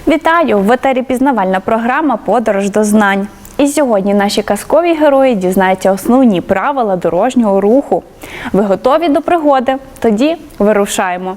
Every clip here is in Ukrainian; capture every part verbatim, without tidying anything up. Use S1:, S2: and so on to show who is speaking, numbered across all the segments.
S1: Вітаю! В етері пізнавальна програма «Подорож до знань». І сьогодні наші казкові герої дізнаються основні правила дорожнього руху. Ви готові до пригоди? Тоді вирушаємо!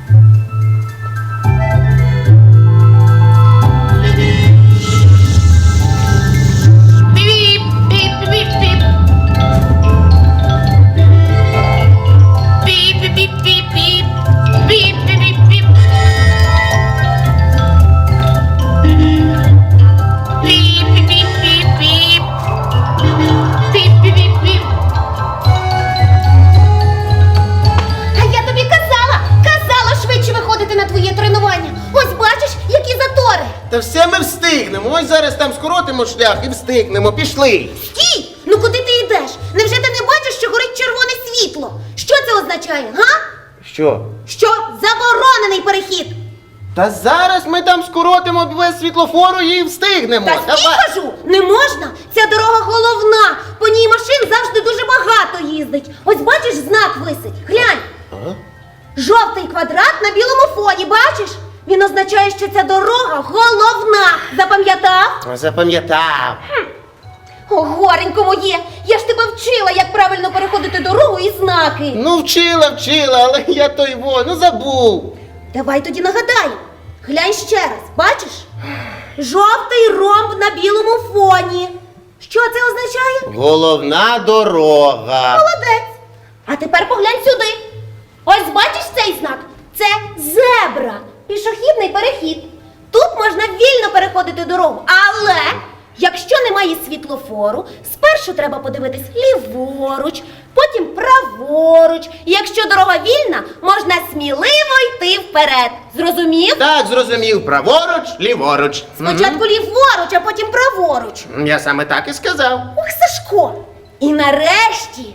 S2: Та все ми встигнемо. Ось зараз там скоротимо шлях і встигнемо. Пішли.
S3: Стій! Ну куди ти йдеш? Невже ти не бачиш, що горить червоне світло? Що це означає, га?
S2: Що?
S3: Що заборонений перехід.
S2: Та зараз ми там скоротимо без світлофору і встигнемо.
S3: Та стій, кажу, не можна. Ця дорога головна. По ній машин завжди дуже багато їздить. Ось бачиш, знак висить. Глянь.
S2: А?
S3: Жовтий квадрат на білому фоні, бачиш? Він означає, що ця дорога головна. Запам'ятав?
S2: Запам'ятав.
S3: О, горенько моє, я ж тебе вчила, як правильно переходити дорогу і знаки.
S2: Ну вчила, вчила, але я той во, ну забув.
S3: Давай тоді нагадаю. Глянь ще раз, бачиш? Жовтий ромб на білому фоні. Що це означає?
S2: Головна дорога.
S3: Молодець. А тепер поглянь сюди. Ось бачиш цей знак? Це зебра. Пішохідний перехід. Тут можна вільно переходити дорогу, але якщо немає світлофору, спершу треба подивитись ліворуч, потім праворуч. І якщо дорога вільна, можна сміливо йти вперед. Зрозумів?
S2: Так, зрозумів. Праворуч, ліворуч.
S3: Спочатку ліворуч, а потім праворуч.
S2: Мгм. Я саме так і сказав.
S3: Ох, Сашко! І нарешті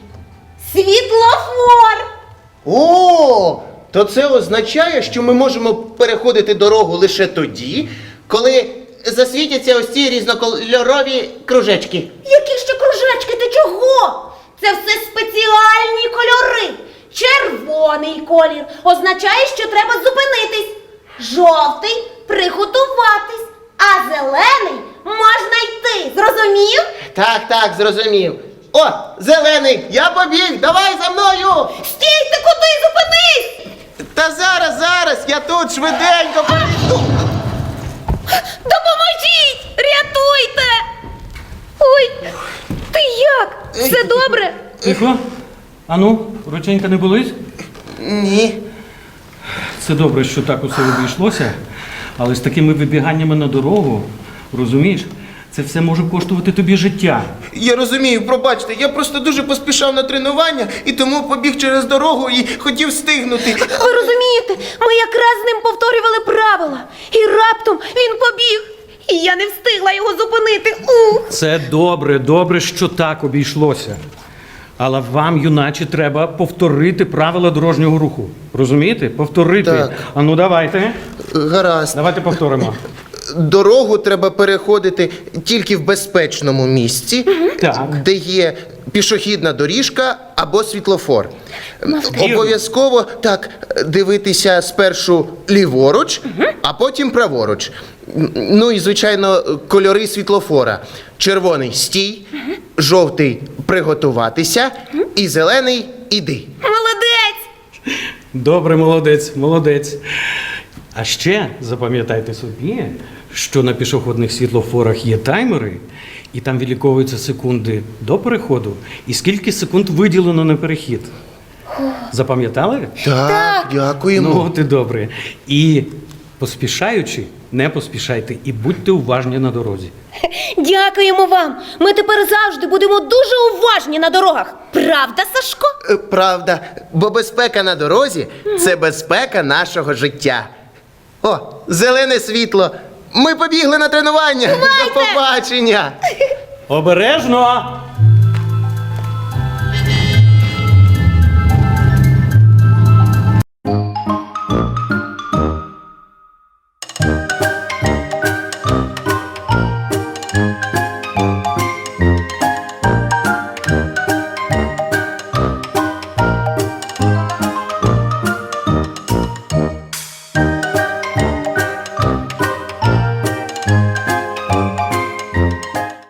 S3: світлофор!
S2: О, то це означає, що ми можемо переходити дорогу лише тоді, коли засвітяться ось ці різнокольорові кружечки.
S3: Які ще кружечки, ти чого? Це все спеціальні кольори. Червоний колір означає, що треба зупинитись. Жовтий – приготуватись. А зелений – можна йти. Зрозумів?
S2: Так, так, зрозумів. О, зелений, я побіг, давай за мною!
S3: Стій, ти куди? Зупинись!
S2: Та зараз, зараз, я тут швиденько перейду.
S3: Допоможіть! Рятуйте! Ой, ти як? Все добре?
S4: Тихо. Ану, рученька не болить?
S2: Ні.
S4: Це добре, що так усе обійшлося, але з такими вибіганнями на дорогу, розумієш, це все може коштувати тобі життя.
S2: Я розумію, пробачте, я просто дуже поспішав на тренування і тому побіг через дорогу і хотів встигнути.
S3: Ви розумієте, ми якраз з ним повторювали правила. І раптом він побіг. І я не встигла його зупинити. Ух!
S4: Це добре, добре, що так обійшлося. Але вам, юначе, треба повторити правила дорожнього руху. Розумієте? Повторити.
S2: Так.
S4: Ану, давайте.
S2: Гаразд.
S4: Давайте повторимо.
S2: Дорогу треба переходити тільки в безпечному місці,
S4: Так.
S2: де є пішохідна доріжка або світлофор.
S4: Вірно.
S2: Обов'язково так дивитися спершу ліворуч, а потім праворуч. Ну і, звичайно, кольори світлофора. Червоний – стій, жовтий – приготуватися і зелений – іди.
S3: Молодець!
S4: Добре, молодець, молодець. А ще запам'ятайте собі, що на пішохідних світлофорах є таймери, і там відліковуються секунди до переходу, і скільки секунд виділено на перехід. Запам'ятали?
S2: Так, дякуємо.
S4: Ну, от і добре. І поспішаючи, не поспішайте, і будьте уважні на дорозі.
S3: Дякуємо вам. Ми тепер завжди будемо дуже уважні на дорогах. Правда, Сашко?
S2: Е, Правда, бо безпека на дорозі – це безпека нашого життя. О, зелене світло. Ми побігли на тренування. До побачення.
S4: Обережно!